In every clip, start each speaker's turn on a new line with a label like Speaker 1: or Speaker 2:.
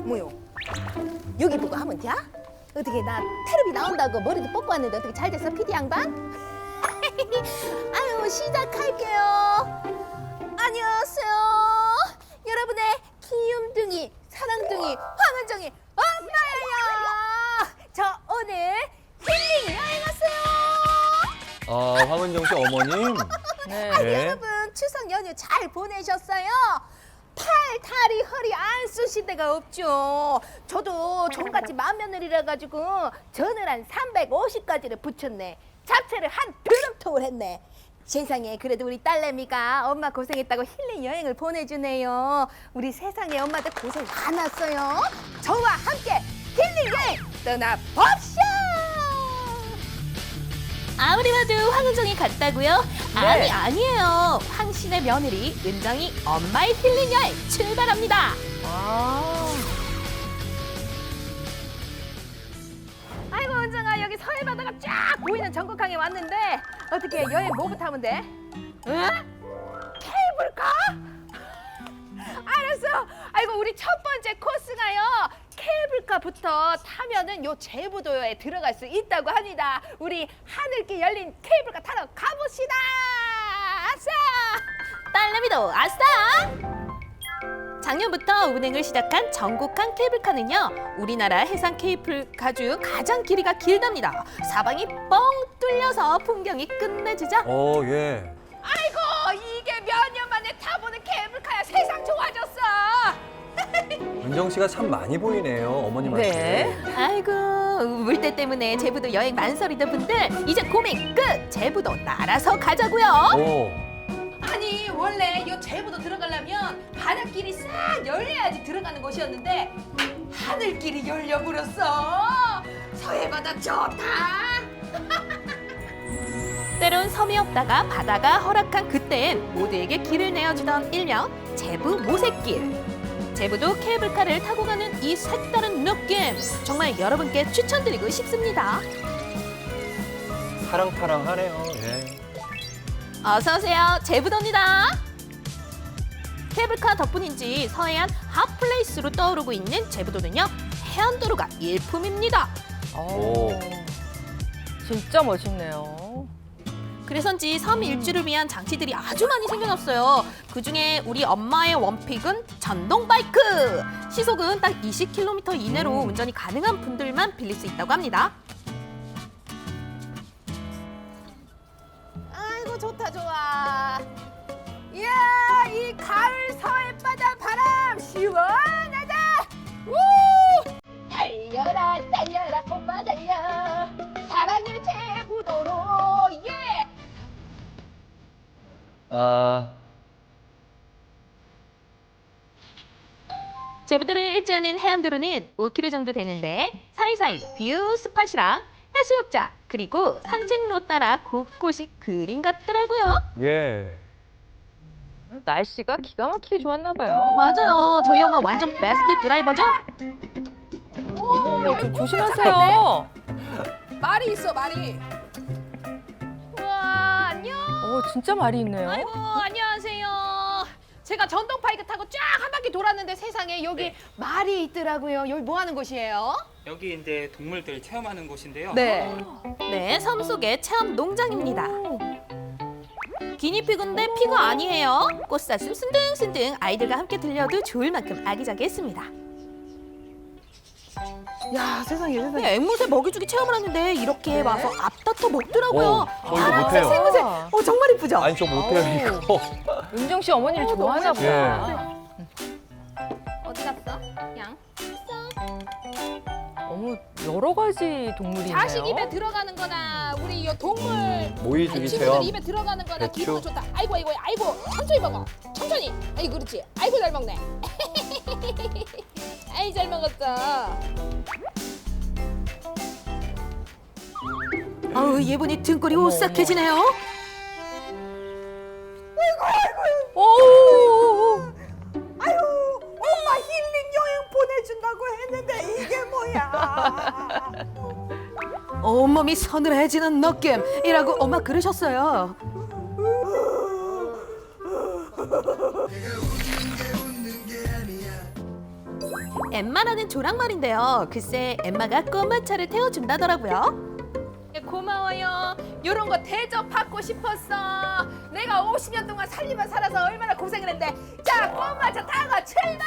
Speaker 1: 뭐요? 여기 보고 하면 돼? 어떻게 나 테레비 나온다고 머리도 뽑고 왔는데 어떻게 잘 됐어 PD 양반? 아유 시작할게요. 안녕하세요. 여러분의 귀염둥이 사랑둥이 황은정이 엄마예요. 저 오늘 힐링 여행 왔어요.
Speaker 2: 황은정 씨 어머님.
Speaker 3: 네.
Speaker 1: 아니 여러분 추석 연휴 잘 보내셨어요? 팔, 다리, 허리 안 쑤신 데가 없죠. 저도 종갓집 맏며느리라 가지고 전을 한 350가지를 붙였네. 잡채를 한 드럼통을 했네. 세상에 그래도 우리 딸내미가 엄마 고생했다고 힐링 여행을 보내주네요. 우리 세상에 엄마들 고생 많았어요. 저와 함께 힐링 여행 떠나봅시다.
Speaker 3: 아무리 봐도 황은정이 같다고요?
Speaker 1: 네.
Speaker 3: 아니에요. 황신의 며느리 은정이 엄마의 힐링 여행 출발합니다.
Speaker 1: 아이고 은정아 여기 서해 바다가 쫙 보이는 전국항에 왔는데 어떻게 여행 뭐부터 하면 돼? 응? 케이블카? 알았어. 아이고 우리 첫 번째 코스가요. 케이블카부터 타면은 요 제부도에 들어갈 수 있다고 합니다. 우리 하늘길 열린 케이블카 타러 가봅시다. 아싸!
Speaker 3: 딸내미도 아싸! 작년부터 운행을 시작한 전국항 케이블카는요, 우리나라 해상 케이블카 중 가장 길이가 길답니다. 사방이 뻥 뚫려서 풍경이 끝내주죠.
Speaker 2: 예.
Speaker 1: 아이고 이게 몇 년 만에 타보는 케이블카야. 세상 좋아졌어.
Speaker 2: 은정 씨가 참 많이 보이네요, 어머님한테.
Speaker 3: 네. 아이고, 물때 때문에 제부도 여행 만설이던 분들, 이제 고민 끝! 제부도 날아서 가자고요.
Speaker 2: 오.
Speaker 1: 아니 원래 이 제부도 들어가려면 바닷길이 싹 열려야지 들어가는 곳이었는데 하늘길이 열려버렸어. 서해바다 좋다.
Speaker 3: 때론 섬이 없다가 바다가 허락한 그때엔 모두에게 길을 내어주던 일명 제부 모색길. 제부도 케이블카를 타고 가는 이 색다른 느낌, 정말 여러분께 추천드리고 싶습니다.
Speaker 2: 사랑타랑하네요. 예.
Speaker 3: 어서 오세요, 제부도입니다. 케이블카 덕분인지 서해안 핫플레이스로 떠오르고 있는 제부도는요, 해안도로가 일품입니다.
Speaker 2: 오.
Speaker 4: 진짜 멋있네요.
Speaker 3: 그래서인지 섬 일주를 위한 장치들이 아주 많이 생겨났어요. 그중에 우리 엄마의 원픽은 전동 바이크. 시속은 딱 20km 이내로 운전이 가능한 분들만 빌릴 수 있다고 합니다.
Speaker 1: 아이고 좋다 좋아. 이야 이 가을 서해바다 바람 시원하다. 우! 달려라 달려라 엄마 달려. 사랑의 제부도로 예.
Speaker 3: 제부도를 일주하는 해안도로는 5km 정도 되는데 사이사이 뷰 스팟이랑 해수욕장 그리고 산책로 따라 곳곳이 그림 같더라고요.
Speaker 2: 예.
Speaker 4: 날씨가 기가 막히게 좋았나 봐요.
Speaker 3: 맞아요. 저희 엄마 완전 베스트 드라이버죠?
Speaker 4: 좀 조심하세요.
Speaker 1: 말이 있어 말이. 우와 안녕.
Speaker 4: 진짜 말이 있네요.
Speaker 1: 아이고 안녕하세요. 제가 전동 바이크 타고 쫙 한 바퀴 돌았는데 세상에 여기 말이 있더라고요. 여기 뭐 하는 곳이에요?
Speaker 5: 여기 이제 동물들 체험하는 곳인데요.
Speaker 1: 네.
Speaker 3: 네, 섬 속의 체험 농장입니다. 기니피그인데 피가 아니에요. 꽃사슴 순둥순둥 아이들과 함께 들려도 좋을 만큼 아기자기했습니다.
Speaker 1: 야 세상에 세상에.
Speaker 3: 네, 앵무새 먹이주기 체험을 하는데 이렇게 와서 앞다퉈 먹더라고요.
Speaker 2: 저 이거 못해요.
Speaker 1: 생무새. 정말 이쁘죠?
Speaker 2: 아니, 저 못해요, 이거.
Speaker 4: 은정 씨 어머니를 좋아하나 보다.
Speaker 2: 예.
Speaker 1: 어디 갔어? 양.
Speaker 4: 어머, 여러 가지 동물이네요.
Speaker 1: 자식 입에 들어가는 거나 우리 이 동물
Speaker 2: 모이주기
Speaker 1: 친구들
Speaker 2: 체험.
Speaker 1: 입에 들어가는 거나
Speaker 2: 배추.
Speaker 1: 기분 좋다. 아이고 아이고 아이고 천천히 먹어. 천천히. 아이고 그렇지. 아이고 잘 먹네. 아이 잘 먹었어.
Speaker 3: 아우, 얘분이 등골이 오싹해지네요.
Speaker 4: 오!
Speaker 1: 아유 엄마 힐링 여행 보내준다고 했는데 이게 뭐야?
Speaker 3: 온몸이 서늘해지는 느낌이라고 엄마 그러셨어요. 엠마라는 조랑말인데요. 글쎄 엠마가 꼬마차를 태워준다더라고요.
Speaker 1: 고마워요. 이런 거 대접받고 싶었어. 내가 50년 동안 살림만 살아서 얼마나 고생을 했는데. 자, 꼬마차 타고 출발!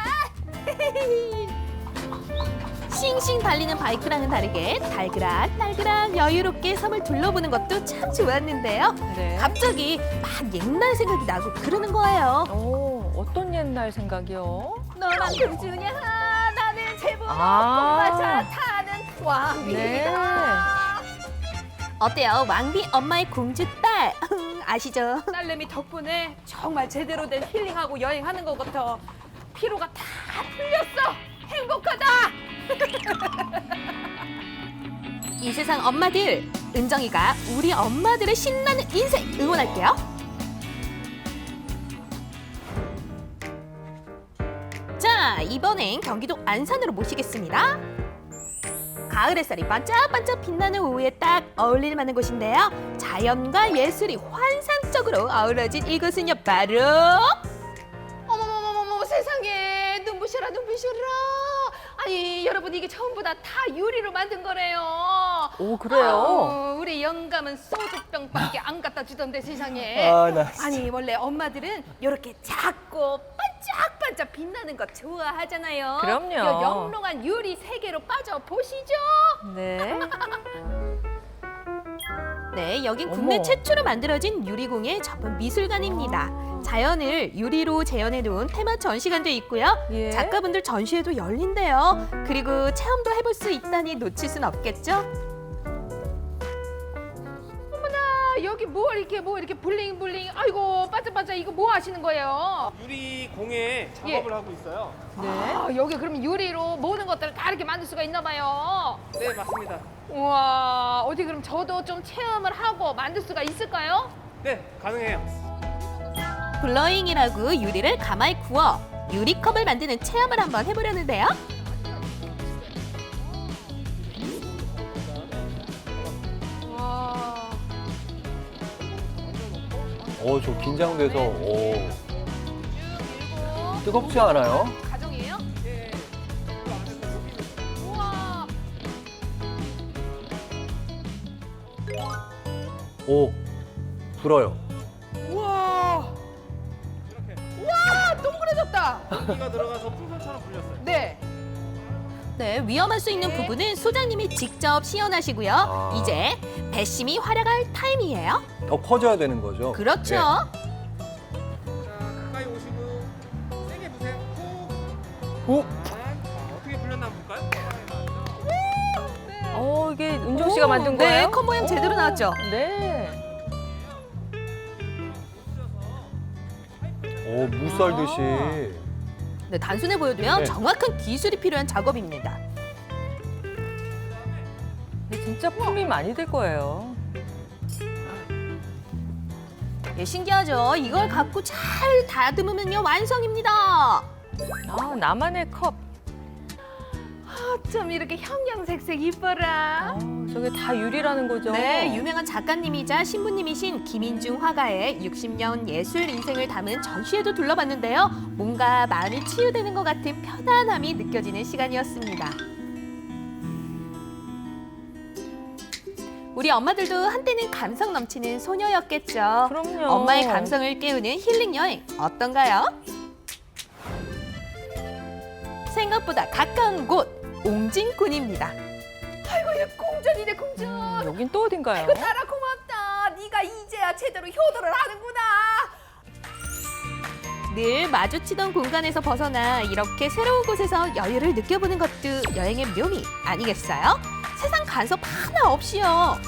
Speaker 3: 싱싱 달리는 바이크랑은 다르게 달그락 여유롭게 섬을 둘러보는 것도 참 좋았는데요.
Speaker 4: 네.
Speaker 3: 갑자기 막 옛날 생각이 나고 그러는 거예요.
Speaker 4: 오, 어떤 옛날 생각이요?
Speaker 1: 너랑 금주냐? 나는 제부
Speaker 4: 아.
Speaker 1: 꼬마차 타는 왕비다.
Speaker 4: 네.
Speaker 3: 어때요? 왕비 엄마의 공주딸 아시죠?
Speaker 1: 딸내미 덕분에 정말 제대로 된 힐링하고 여행하는 것 같아. 피로가 다 풀렸어. 행복하다.
Speaker 3: 이 세상 엄마들, 은정이가 우리 엄마들의 신나는 인생 응원할게요. 자, 이번엔 경기도 안산으로 모시겠습니다. 가을 햇살이 반짝반짝 빛나는 오후에 딱 어울릴 만한 곳인데요. 자연과 예술이 환상적으로 어우러진 이곳은요, 바로
Speaker 1: 어머머머머머 세상에 눈부셔라 눈부셔라. 아니 여러분 이게 전부 다 유리로 만든 거래요.
Speaker 4: 오, 그래요?
Speaker 1: 우리 영감은 소주병밖에 안 갖다 주던데 세상에.
Speaker 2: 아, 나
Speaker 1: 아니 원래 엄마들은 이렇게 작고 반짝반짝 빛나는 거 좋아하잖아요.
Speaker 4: 그럼요.
Speaker 1: 요 영롱한 유리 세계로 빠져 보시죠.
Speaker 4: 네.
Speaker 3: 네, 여긴 국내
Speaker 4: 어머.
Speaker 3: 최초로 만들어진 유리공예 전문 미술관입니다. 자연을 유리로 재현해 놓은 테마 전시관도 있고요.
Speaker 4: 예.
Speaker 3: 작가분들 전시회도 열린대요. 그리고 체험도 해볼 수 있다니 놓칠 순 없겠죠?
Speaker 1: 아, 여기 뭐 이렇게 블링블링. 아이고 반짝반짝 이거 뭐 하시는 거예요?
Speaker 6: 유리 공예 작업을 하고 있어요.
Speaker 4: 네.
Speaker 1: 아, 여기 그럼 유리로 모든 것들을 다 이렇게 만들 수가 있나 봐요.
Speaker 6: 네, 맞습니다.
Speaker 1: 우와, 어디 그럼 저도 좀 체험을 하고 만들 수가 있을까요?
Speaker 6: 네, 가능해요.
Speaker 3: 블러잉이라고 유리를 가마에 구워 유리컵을 만드는 체험을 한번 해보려는데요.
Speaker 1: 와,
Speaker 2: 저 긴장돼서 뜨겁지 않아요?
Speaker 1: 가정이에요? 우와,
Speaker 2: 오, 불어요.
Speaker 1: 우와,
Speaker 6: 이렇게
Speaker 1: 와, 동그래졌다.
Speaker 6: 공기가 들어가서 풍선처럼 불렸어요.
Speaker 1: 네,
Speaker 3: 네, 위험할 수 있는 부분은 소장님이 직접 시연하시고요.
Speaker 2: 아.
Speaker 3: 이제 배심이 활약할 타임이에요.
Speaker 2: 더 커져야 되는 거죠?
Speaker 3: 그렇죠.
Speaker 6: 자, 가까이 오시고 세게 부세요. 후.
Speaker 2: 오,
Speaker 6: 자, 어떻게 불렸나 한번 볼까요?
Speaker 4: 이게 은정 씨가 만든
Speaker 3: 네,
Speaker 4: 거예요?
Speaker 3: 컵 모양 제대로 나왔죠?
Speaker 4: 네.
Speaker 2: 무 썰듯이.
Speaker 3: 네, 단순해 보여도요.
Speaker 2: 네.
Speaker 3: 정확한 기술이 필요한 작업입니다.
Speaker 4: 근데 진짜 품이 많이 들 거예요.
Speaker 3: 예, 신기하죠? 이걸 갖고 잘 다듬으면요, 완성입니다.
Speaker 4: 아, 나만의 컵.
Speaker 1: 어쩜 이렇게 형형색색 이뻐라.
Speaker 4: 저게 다 유리라는 거죠?
Speaker 3: 네, 유명한 작가님이자 신부님이신 김인중 화가의 60년 예술 인생을 담은 전시회도 둘러봤는데요. 뭔가 마음이 치유되는 것 같은 편안함이 느껴지는 시간이었습니다. 우리 엄마들도 한때는 감성 넘치는 소녀였겠죠.
Speaker 4: 그럼요.
Speaker 3: 엄마의 감성을 깨우는 힐링 여행 어떤가요? 생각보다 가까운 곳 옹진군입니다.
Speaker 1: 아이고 얘 궁전이네 궁전.
Speaker 4: 여긴 또 어딘가요?
Speaker 1: 딸아 고맙다. 네가 이제야 제대로 효도를 하는구나.
Speaker 3: 늘 마주치던 공간에서 벗어나 이렇게 새로운 곳에서 여유를 느껴보는 것도 여행의 묘미 아니겠어요? 세상 간섭 하나 없이요.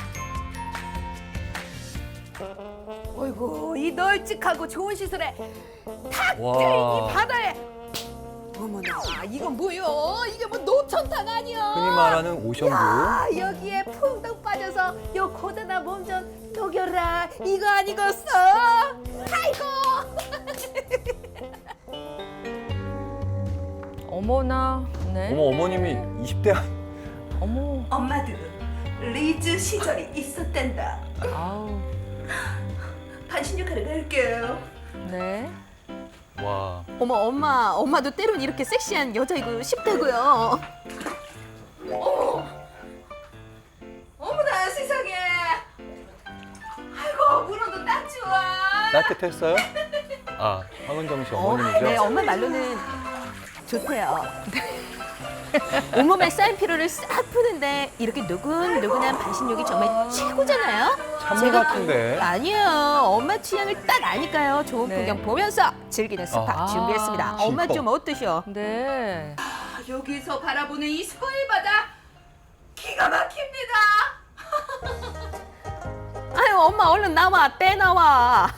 Speaker 1: 어이구 이 널찍하고 좋은 시설에 탁
Speaker 2: 와.
Speaker 1: 트인 이 바다에. 어머나 이건 뭐요? 이게 뭐 노천탕 아니야?
Speaker 2: 흔히 말하는 오션뷰.
Speaker 1: 야 여기에 풍덩 빠져서 요 고단한 몸 좀 녹여라. 이거 아니겠어? 아이고.
Speaker 4: 어머나. 네.
Speaker 2: 어머님이 20대
Speaker 4: 어머.
Speaker 7: 엄마도 리즈 시절이 있었단다.
Speaker 4: 아우.
Speaker 7: 반신 역할을 할게요.
Speaker 4: 네.
Speaker 2: 와.
Speaker 3: 어머, 엄마도 때론 이렇게 섹시한 여자이고 싶다고요.
Speaker 1: 어머나 세상에. 아이고 물어도 딱 좋아.
Speaker 2: 따뜻했어요? 아, 황은정 씨 어머님이죠?
Speaker 3: 네, 엄마 말로는 좋대요. 온몸에 쌓인 피로를 싹 푸는데 이렇게 누근누근한 반신욕이 정말 최고잖아요.
Speaker 2: 찬물 같은데.
Speaker 3: 아니에요. 엄마 취향을 딱 아니까요. 좋은
Speaker 4: 네.
Speaker 3: 풍경 보면서 즐기는 스파
Speaker 2: 아.
Speaker 3: 준비했습니다. 엄마
Speaker 2: 진짜.
Speaker 3: 좀 어떠셔?
Speaker 4: 네.
Speaker 1: 여기서 바라보는 이 서해 바다 기가 막힙니다.
Speaker 3: 아유, 엄마 얼른 나와, 떼나와.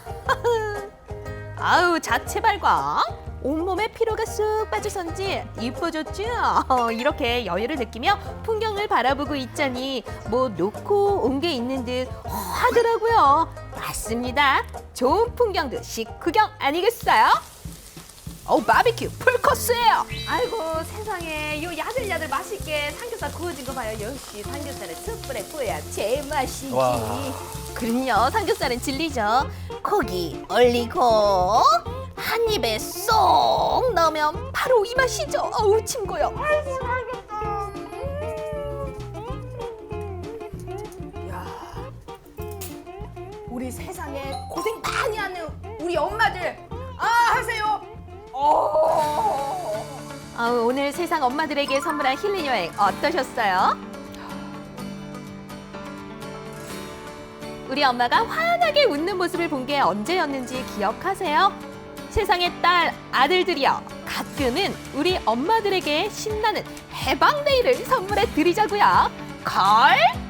Speaker 3: 아유, 자체 발광. 온몸에 피로가 쑥 빠져선지 이뻐졌죠? 이렇게 여유를 느끼며 풍경을 바라보고 있자니 뭐 놓고 온 게 있는 듯 하더라고요. 맞습니다. 좋은 풍경도 식후경 아니겠어요? 바비큐 풀코스예요.
Speaker 1: 아이고 세상에 요 야들야들 맛있게 삼겹살 구워진 거 봐요. 역시 삼겹살은 숯불에 구워야 제맛이지.
Speaker 2: 와.
Speaker 3: 그럼요, 삼겹살은 진리죠. 고기 올리고 한 입에 쏙 넣으면 바로 이 맛이죠. 어우, 침 고요.
Speaker 1: 우리 세상에 고생 많이 하는 우리 엄마들 하세요.
Speaker 3: 오늘 세상 엄마들에게 선물한 힐링 여행 어떠셨어요? 우리 엄마가 환하게 웃는 모습을 본 게 언제였는지 기억하세요? 세상의 딸, 아들들이여, 가끔은 우리 엄마들에게 신나는 해방데이를 선물해 드리자고요. 걸!